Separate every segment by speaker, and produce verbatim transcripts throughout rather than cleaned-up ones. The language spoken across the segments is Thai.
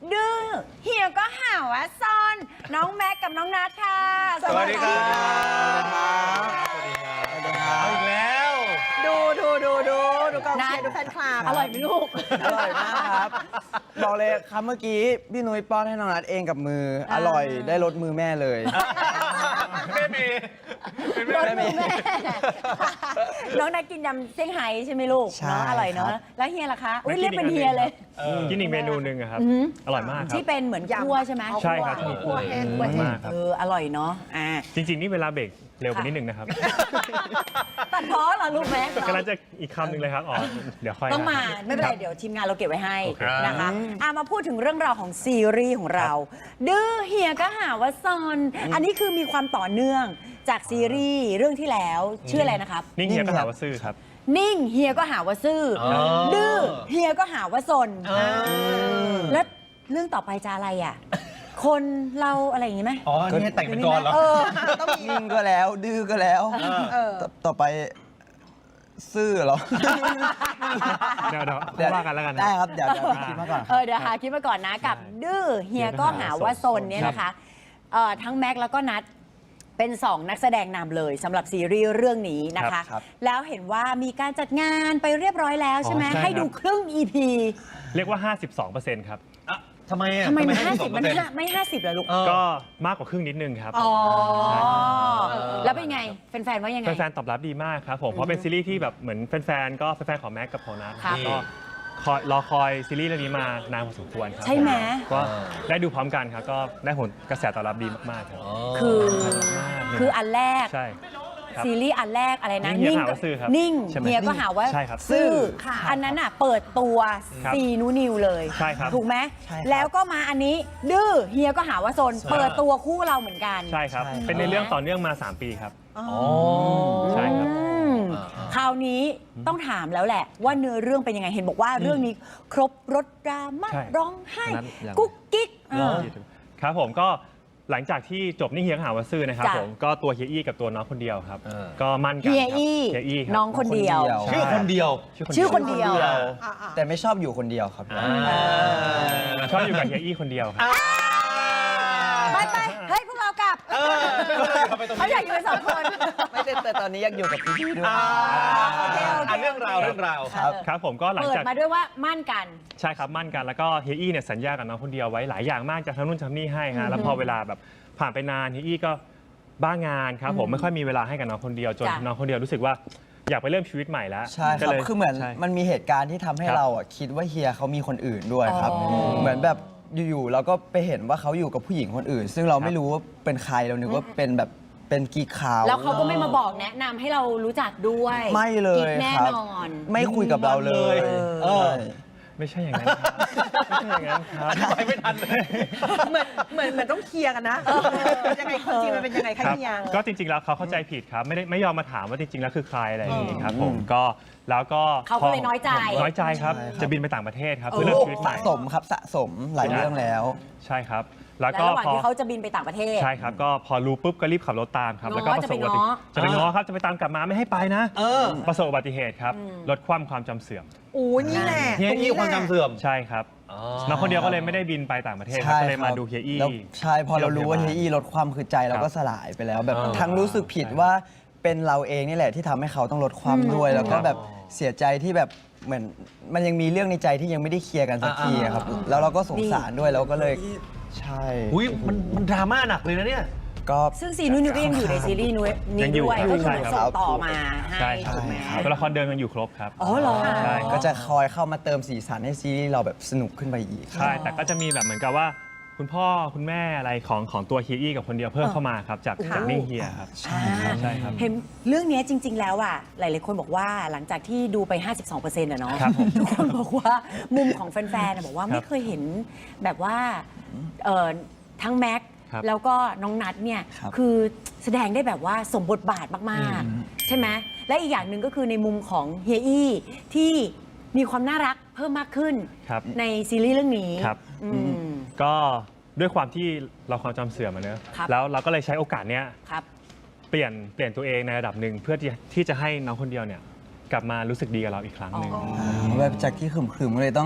Speaker 1: ดื้อเฮียก็หาว่าซ่อนน้องแม็กกับน้องนัทค่ะ
Speaker 2: สวัสดีครับ
Speaker 3: สวัสดีครับ
Speaker 2: เอาอีกแล้ว
Speaker 4: ดูดูดูดูดูกองเชียร์ดูแฟนคลับ
Speaker 1: อร่อยไหมลูก
Speaker 3: อร่อยมากครับบอกเลยคำเมื่อกี้พี่นุ้ยป้อนให้น้องนัทเองกับมืออร่อยได้รสมือแม่เลย
Speaker 2: แม่เมย์เป็น
Speaker 1: ร
Speaker 2: แม่
Speaker 1: ส
Speaker 2: เม
Speaker 1: มือ
Speaker 2: ย์
Speaker 1: แม่น้องนัทกินยำเซี่ยงไฮ้ใช่ไหมลูก
Speaker 3: ใช่
Speaker 1: เนาะอร่อยเนาะ
Speaker 3: ครับ
Speaker 1: แล้วเฮียล่ะคะอุ้ยเรียกเป็นเฮียเลย
Speaker 2: กินอีกเมนูหนึ่งอะครับ
Speaker 1: อือหือ
Speaker 2: อร่อยมากครับ
Speaker 1: ที่เป็นเหมือนคั่วใช่ไหม
Speaker 2: ใช่ครับ
Speaker 4: คั่วแห้งคั่วแห้ง
Speaker 2: มากครับ
Speaker 1: เอออร่อยเนาะอ่า
Speaker 2: จริง ๆ นี่เวลาเบรกเร็วไปนิดนึงนะครับ
Speaker 1: ตัดพ้อเหรอลูกแม็ก
Speaker 2: กำลังจะอีกคำหนึ่งเลยครับอ๋อเดี๋ยวค่อย
Speaker 1: ต้องมา
Speaker 2: ครับ
Speaker 1: ไม่เป็นไรเดี๋ยวทีมงานเราเก็บไว้ให้
Speaker 2: โอเค
Speaker 1: นะคะอ่ะมาพูดถึงเรื่องราวของซีรีส์ของเรา ดื้อเฮียก็หาว่าซอนอันนี้คือมีความต่อเนื่องจากซีรีส์เรื่องที่แล้วชื่ออะไรนะครับ
Speaker 2: นี่เฮียก็หาว่าซื่อครับ
Speaker 1: นิ่งเฮียก็หาว่าซื่ออดื้อเฮียก็หาว่าซนแล้วเรื่องต่อไปจะอะไรอ่ะ คนเราอะไรอย่างงี้ไหม
Speaker 2: อ๋อ นี่ให้แต่งเป็นกรเหรอ
Speaker 1: เออ
Speaker 4: ต้องมี
Speaker 3: นิ่งก็แล้วดื้อก็แล้ว
Speaker 4: เออ
Speaker 3: ต่อต่อไปซื่อเหรอ
Speaker 2: เดี๋ยวเดี๋ยวค่อยว่ากันแล้วกันนะ
Speaker 3: ได้ครับเดี๋ยวเดี๋ยวคิดมาก่อนค
Speaker 1: เอ
Speaker 3: รับ
Speaker 1: อเดี๋ยวหาคิดมาก่อนนะกับดื้อเฮียก็หาว่าซนเนี่ยนะคะเอ่อทั้งแม็กแล้วก็นัทเป็นสองนักแสดงนำเลยสำหรับซีรีส์เรื่องนี้นะคะ
Speaker 3: ครับ
Speaker 1: แล้วเห็นว่ามีการจัดงานไปเรียบร้อยแล้วใช่ไหม
Speaker 2: อ๋อใช่
Speaker 1: ให้ดู
Speaker 2: ครับ
Speaker 1: ครึ่ง อี พี
Speaker 2: เรียกว่า ห้าสิบสองเปอร์เซ็นต์ ครับ
Speaker 5: ทำไมอ่ะ
Speaker 1: ทำไมมันห้า
Speaker 5: ห้า
Speaker 1: สิบมันห้าไม่ห้าสิบเหรอลูก
Speaker 2: ก็มากกว่าครึ่งนิดนึงครับ
Speaker 1: อ๋อ
Speaker 2: ใช่ครับ
Speaker 1: แล้วเป็นไงแฟนๆว่ายังไง
Speaker 2: แฟนๆตอบรับดีมากครับผม เพราะเป็นซีรีส์ที่แบบเหมือนแฟนๆ ก็แฟนๆ ของแม็กกับของนัท
Speaker 1: ครับ
Speaker 2: ก็คอยรอคอยซีรีส์เรื่องนี้มานานพอสมควรครับ
Speaker 1: ใช่ไหม
Speaker 2: ก็ได้ดูพร้อมกันครับ ก็ได้ผลกระแสตอบรับดีมากๆครับ
Speaker 1: คือ
Speaker 2: มากเลย
Speaker 1: คืออันแรก
Speaker 2: ใช่ครับ
Speaker 1: ซีรีส์อันแรกอะไรนะ
Speaker 2: นิ่งเฮียก็หาว่าซื่อครับ
Speaker 1: นิ่ง
Speaker 2: ใช่ไหม
Speaker 1: เฮียก็หาว่า
Speaker 2: ใช่ครับ
Speaker 1: ซื่อ
Speaker 4: ค่ะ
Speaker 1: อันนั้นอ่ะเปิดตัว
Speaker 2: ครับ
Speaker 1: ซีนูนิวเลย
Speaker 2: ใช่ครับ
Speaker 1: ถูกไหม
Speaker 3: ใช่ครับ
Speaker 1: แล้วก็มาอันนี้ ดื้อเฮียก็หาว่าโซนเปิดตัวคู่เราเหมือนกัน
Speaker 2: ใช่ครับ
Speaker 3: ใช่ครับ
Speaker 2: เป็นในเรื่องต่อเนื่องมา สาม ปีครับ
Speaker 4: อ๋อ
Speaker 2: ใช่ครับ
Speaker 1: อืมคราวนี้ต้องถามแล้วแหละ ว่าเนื้อเรื่องเป็นยังไงเห็นบอกว่าเรื่องนี้ครบรถดราม่า
Speaker 2: ใช่
Speaker 1: ร้องไห้
Speaker 3: นั้นยัง
Speaker 1: กุ๊กกิ๊ก
Speaker 2: เออครับผมก็หลังจากที่จบนี่เฮียก็หาว่าซื่อนะครับ
Speaker 1: จ้ะ
Speaker 2: ผมก็ตัวเฮียอี้กับตัวน้องคนเดียวครับ
Speaker 5: เออ
Speaker 2: ก็มั่นกัน
Speaker 1: เฮีย
Speaker 2: ครับ
Speaker 1: อี้
Speaker 2: เฮียอี้ครับ
Speaker 1: น้องคนเดียว
Speaker 3: ใช่
Speaker 5: ชื่อคนเดียว
Speaker 1: ชื่อคนเดียว
Speaker 4: อ่ะอ่ะ
Speaker 3: แต่ไม่ชอบอยู่คนเดียวครับ
Speaker 2: ชอบอยู่กับเฮียอี้คนเดียวครับ
Speaker 1: ไปไปเฮ้ยพวกเรากลับเขาอยากอยู่กันสองคน
Speaker 3: ไม่ได้แต่ตอนนี้อยากอยู่กับพี่ๆด้วย
Speaker 1: โอเคโอเค
Speaker 5: อ่ะเรื่องราวเรื่องราว
Speaker 3: ครับ
Speaker 2: ครับผมก็หลัง
Speaker 1: เปิด
Speaker 2: จาก
Speaker 1: มาด้วยว่ามั่นกัน
Speaker 2: ใช่ครับมั่นกันแล้วก็เฮียอี้เนี่ยสัญญากับน้องคนเดียวไว้หลายอย่างมากจะทำนู่นทำนี่ให้ฮะแล้วพอเวลาแบบผ่านไปนานเฮียอี้ก็บ้างานครับผมไม่ค่อยมีเวลาให้กับน้องคนเดียวจน
Speaker 1: จ้ะ
Speaker 2: น้องคนเดียวรู้สึกว่าอยากไปเริ่มชีวิตใหม่แล้ว
Speaker 3: ใช่ค
Speaker 2: ก็
Speaker 3: รับ
Speaker 2: ลย
Speaker 3: คือเหมือน
Speaker 2: ใช่
Speaker 3: มันมีเหตุการณ์ที่ทำให้
Speaker 2: ครับ
Speaker 3: เราอ่ะคิดว่าเฮียเขามีคนอื่นด้วยครับ
Speaker 1: อ๋อ
Speaker 3: เหมือนแบบอยู่ๆเราก็ไปเห็นว่าเขาอยู่กับผู้หญิงคนอื่น ซึ่งเรา
Speaker 2: ครับ
Speaker 3: ไม่รู้ว่าเป็นใครเรานึกว่าเป็นแบบเป็นกิ๊กขาว
Speaker 1: แล้วเขาก็ไม่มาบอกแนะนำให้เรารู้จักด้วย
Speaker 3: ไม่เลย
Speaker 1: กิ๊กแน่
Speaker 3: ครับ
Speaker 1: นอน
Speaker 3: ไม่คุยกับเราเลย
Speaker 5: เออ
Speaker 2: ไม่ใช่อย่างนั้นครับไม่ใช่อย่างนั้นครับ
Speaker 5: ไปไม่ทันเลย
Speaker 4: เหมือนเหมือนเหมือนต้องเคลียร์กันนะเออยังไงความจริงมันเป็นยังไงคะ
Speaker 2: ครับ
Speaker 4: เฮีย
Speaker 2: ก็จริงๆแล้วเขาเข้าใจผิดครับไม่ได้ไม่ยอมมาถามว่าจริงๆแล้วคือใครอะไรอย่างนี้ครับ
Speaker 3: อืม
Speaker 2: ผมก็แล้วก็
Speaker 1: เขาก็เลยน้อยใจ
Speaker 2: น้อยใจครับ
Speaker 3: ใช่ครับ
Speaker 2: จะบินไปต่างประเทศครับ
Speaker 1: โอ้
Speaker 2: เพื่อเริ่มชีวิตให
Speaker 3: สะ
Speaker 2: ม่
Speaker 3: สมครับสะสมหลายเรื่องแล้ว
Speaker 2: ใช่ครับ แล้ว
Speaker 1: และ
Speaker 2: ก็
Speaker 1: ระหว่าง
Speaker 2: พอ
Speaker 1: ที่เขาจะบินไปต่างประเทศ
Speaker 2: ใช่ครับก็พอรู้ปุ๊บก็รีบขับรถตามครับ
Speaker 1: ง้อ
Speaker 2: แล้วก็ประสบอุบัติ
Speaker 1: จะไปง้อ
Speaker 2: จะไปง้อครับจะไปตามกลับมาไม่ให้ไปนะ
Speaker 5: เออ
Speaker 2: ประสบอุบัติเหตุครับลดความความจำเสื่อม
Speaker 4: โอ้ยนี่แหละ
Speaker 5: เฮียอี้ความจำเสื่อม
Speaker 2: ใช่ครับน้องคนเดียวก็เลยไม่ได้บินไปต่างประเทศครับ
Speaker 3: ใช่
Speaker 2: ก็เลยมา
Speaker 3: ครับ
Speaker 2: ดูเฮียอี้
Speaker 3: แล้วใช่พอเรารู้ว่าเฮียอี้ลดความคือใจเราก็สลายไปแล้ว แบบ
Speaker 5: เออ
Speaker 3: ทั้งรู้สึกผิดว่าเป็นเราเองนี่แหละที่ทำให้เขาต้องลดความด้วย แล้วก็แบบเสียใจที่แบบเหมือนมันยังมีเรื่องในใจที่ยังไม่ได้เคลียร์กันสักทีอะครับแล้วเราก็สงสารด้วยเราก็เลยใช่
Speaker 5: อุ้ยมันมันดราม่าหนักเลยนะเนี่ย
Speaker 3: ก็
Speaker 1: ซึ่งซีนุ่นก็ยังอยู่ในซีรีส์นี้
Speaker 2: ยังอยู่
Speaker 1: ด้วย
Speaker 2: ครับ
Speaker 1: ก็คือ
Speaker 2: ใช่
Speaker 1: เหมือน
Speaker 2: ค
Speaker 1: ส่
Speaker 2: รั
Speaker 1: ง
Speaker 2: บ
Speaker 1: ต่อมาให้
Speaker 2: ใช่ครั
Speaker 1: ถู
Speaker 2: บ
Speaker 1: กไหม
Speaker 2: ตัวละครเดิมยังอยู่ครบครับ
Speaker 1: อ๋อเหรอ
Speaker 2: ใช่
Speaker 3: ก็จะคอยเข้ามาเติมสีสันให้ซีรีส์เราแบบสนุกขึ้นไปอีก
Speaker 2: ใช่ แต่ก็จะมีแบบเหมือนกับว่า คุณพ่อคุณแม่อะไรของของตัวเฮียอี้กับคนเดียวเพิ่มเข้ามาครับ จากจากนิ่งเฮียครับ
Speaker 3: ใช่ครับ
Speaker 2: ใช่ครับ
Speaker 1: เห็นเรื่องนี้จริง ๆ แล้วอ่ะหลายๆคนบอกว่าหลังจากที่ดูไป ห้าสิบสองเปอร์เซ็นต์ อะเนาะ
Speaker 2: ครับผม
Speaker 1: ทุกคนบอกว่ามุมของแฟนๆอะบอกว่า
Speaker 2: ครับ
Speaker 1: ไม่เคยเห็นแบบว่าเอ่อทั้งแม็กซ์
Speaker 2: ครับ
Speaker 1: แล้วก็น้องนัทเนี่ย
Speaker 3: ครับ
Speaker 1: คือแสดงได้แบบว่าสมบทบาทมากๆ ใช่ไหมและอีกอย่างหนึ่งก็คือในมุมของเฮียอี้ที่มีความน่ารักเพิ่มมากขึ้น
Speaker 2: ครับ
Speaker 1: ในซีรีส์เรื่องนี้
Speaker 2: ครับ
Speaker 1: อืม
Speaker 2: ก็ด้วยความที่เราความจำเสื่อมอะเนอะ
Speaker 1: ครับ
Speaker 2: แล้วเราก็เลยใช้โอกาสเนี้ย
Speaker 1: ครับ
Speaker 2: เปลี่ยนเปลี่ยนตัวเองในระดับหนึ่งเพื่อที่ที่จะให้น้องคนเดียวเนี่ยกลับมารู้สึกดีกับเราอีกครั้งหนึ่ง
Speaker 1: อ๋อ
Speaker 3: แบบจากที่ขึมๆก็เลยต้อง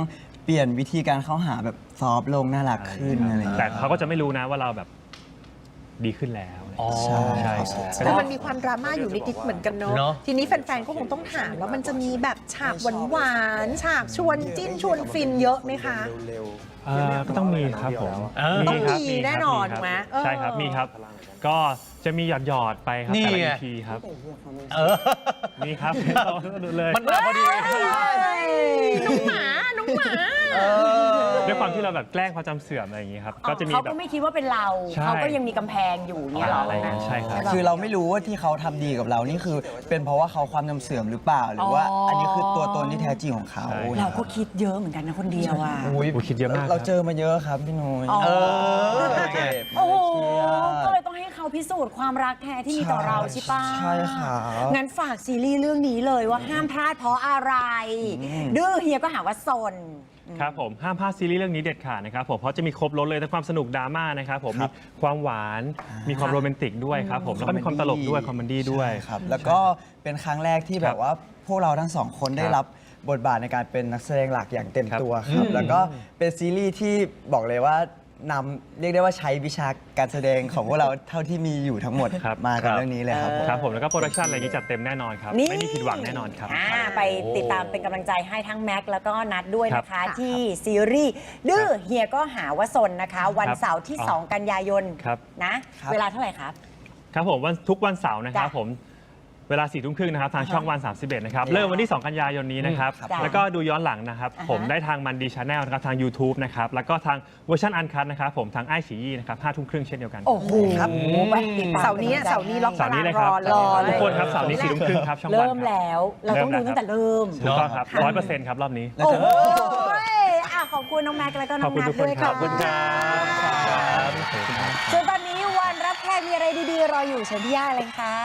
Speaker 3: เปลี่ยนวิธีการเข้าหาแบบซอฟต์ลงน่ารักขึ้นอะไรอย่าง
Speaker 2: แต่
Speaker 3: เงี้ย
Speaker 2: เขาก็จะไม่รู้นะว่าเราแบบดีขึ้นแล้ว
Speaker 5: อ๋อ
Speaker 3: ใช่
Speaker 2: ใช่
Speaker 4: แต่มันมีความดราม่าอยู่นิดๆเหมือนกันเนาะ
Speaker 5: เนอะ
Speaker 4: ทีนี้แฟนๆ ก็คงต้องถามว่ามันจะมีแบบฉากหวานๆ ฉากชวนจิ้นชวนฟินเยอะไหมคะ
Speaker 2: เอ่อก็ต้องมีครับผม
Speaker 5: เออ
Speaker 4: ต้อง
Speaker 2: ครับ
Speaker 4: มี
Speaker 2: ครับ
Speaker 4: แน่นอน
Speaker 2: มีครับ
Speaker 4: ถูกไหมเออ
Speaker 2: ใช่ครับมีครับ ก็จะมีหยอดหยอดๆไปครับ
Speaker 5: นี่
Speaker 2: แต่ละ
Speaker 5: ไง
Speaker 2: อีพีครับ
Speaker 5: เออ
Speaker 2: มีครับดูเลย
Speaker 5: มันมาพอดี
Speaker 4: น้องหมา น้องหมา
Speaker 2: ด้วยความที่เราแบบแกล้งความจำเสื่อมอะไรอย่างงี้ครับก็จะมี
Speaker 1: เขา
Speaker 2: แบ
Speaker 1: ก็
Speaker 2: บ
Speaker 1: ไม่คิดว่าเป็นเรา
Speaker 2: ใช่
Speaker 1: เขาก็ยังมีกำแพงอยู่เนี่ยเหรอ
Speaker 2: อะไรอย่างนั้นใช่ครับ
Speaker 3: คือเราไม่รู้ว่าที่เขาทำดีกับเรานี่คือเป็นเพราะว่าเขาความจำเสื่อมหรือเปล่า หรือว่า
Speaker 1: อ๋ออั
Speaker 3: อันนี้คือตัวตนที่แท้จริงของเขา
Speaker 2: ใช่
Speaker 1: เราก็คิดเยอะเหมือนกันนะคนเดียวอ่ะ
Speaker 3: อุ๊ย
Speaker 2: อุ๊ยคิดเยอะมาก
Speaker 3: เรา
Speaker 2: ครับ
Speaker 3: เจอมาเยอะครับพี่นุ้ย
Speaker 1: อ๋อ
Speaker 5: เออ
Speaker 3: เจ็บ
Speaker 1: โอ้โห
Speaker 3: เครียด
Speaker 1: ก็เลยต้องให้เขาพิสูจน์ความรักแท้ที่มีต่อเราใช่ปะ
Speaker 3: ใช่ครับ
Speaker 1: งั้นฝากซีรีส์เรื่องนี้เลยว่าห้ามพลาดเพราะอะไร ดื้อเฮียก็หาว่าซน
Speaker 2: ครับผมห้ามพลาดซีรีส์เรื่องนี้เด็ดขาดนะครับผมเพราะจะมีครบรถเลยทั้งความสนุกดราม่านะครับผม
Speaker 3: ครั
Speaker 2: มี
Speaker 3: บ
Speaker 2: ความหวาน มีความโรแมนติกด้วยครับผมแล้วก็มีความตลกด้วยคอมเมดี้ด้วย
Speaker 3: ใช่ครับ แล้วก็เป็นครั้งแรกที่แบบว่าพวกเราทั้งสองคนได้
Speaker 2: ครับ
Speaker 3: รับบทบาทในการเป็นนักแสดงหลักอย่างเต็ม
Speaker 2: ครับ
Speaker 3: ตัวครับ แล้วก็เป็นซีรีส์ที่บอกเลยว่านำเรียกได้ว่าใช้วิชาการแสดงของพวกเราเท่าที่มีอยู่ทั้งหมด
Speaker 2: ครับ
Speaker 3: มา
Speaker 5: ครั
Speaker 3: กับบ เรื่องนี้เลยครับผม
Speaker 2: ครับผมแล้วก็โปรดักชันอะไรอย่างนี้จัดเต็มแน่นอนครับ
Speaker 1: นี่
Speaker 2: ไม่มีผิดหวังแน่นอนครับ
Speaker 1: อ่าไปติดตามเป็นกำลังใจให้ทั้งแม็กซ์แล้วก็นัดด้วยนะ
Speaker 2: ครั
Speaker 1: คะ
Speaker 2: บ
Speaker 1: ที่ซีรีส์ดื้อเฮียก็หาว่าซนนะคะ วันเสาร์ที่
Speaker 2: อ๋อ
Speaker 1: สอง กันยายน
Speaker 2: ครับ
Speaker 1: นะ
Speaker 3: ครับ
Speaker 1: เวลาเท่าไหร่ครับ
Speaker 2: ครับผมวันทุกวันเสาร์นะครับ
Speaker 1: จ้ะ
Speaker 2: ผมเวลาสี่ทุ่มครึ่งนะครับทาง
Speaker 1: อ่าฮะ
Speaker 2: ช่องวัน สามสิบเอ็ดนะครับเริ่มวันที่ สอง กันยายนนี้นะครับ
Speaker 1: จ้ะ
Speaker 2: แล้วก็ดูย้อนหลังนะครับ
Speaker 1: อ่าฮะ
Speaker 2: ผมได้ทางมันดีชาแนลนะครับทาง YouTube นะครับแล้วก็ทางเวอร์ชันอันคัทนะครับผมทางไอฉี่นะครับห้าทุ่มครึ่งเช่นเดียวกัน
Speaker 1: โอ้โห
Speaker 3: ครับ
Speaker 1: ไปติดตม
Speaker 4: เสาร์นี้เสาร์นี้ล็อก
Speaker 2: เสาร์นี้เลย
Speaker 4: ตาราง
Speaker 2: ครับ
Speaker 4: รอเลย
Speaker 2: ทุกคนครับเสาร์นี้สี่ทุ่มครึ่งครับช่องวัน
Speaker 1: เริ่ม
Speaker 2: ครับ
Speaker 1: แล้ว เราต้องดูตั้งแต่เริ่ม
Speaker 2: ถูกต้องครับร้อยเปอร์เซ็นต์ครับรอบนี้
Speaker 1: โอ้โหอ่ะขอบคุณน้องแม็กซ์แล้วก็น้
Speaker 2: ข
Speaker 1: อ
Speaker 2: อบ
Speaker 1: ง
Speaker 2: คุณ
Speaker 1: นั
Speaker 2: ทุ
Speaker 1: ท
Speaker 2: กคน
Speaker 1: ด้วย
Speaker 2: ครั
Speaker 1: ค่ะ
Speaker 2: บขอบคุณครับ
Speaker 1: ส่วนตอนนี้วันรับแขกมีอะไรดีๆ รออยู่เชิญพี่ย่าเลยค่ะ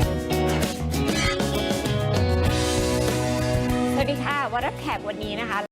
Speaker 6: สวัสดีค่ะวันรับแขกวันนี้นะคะ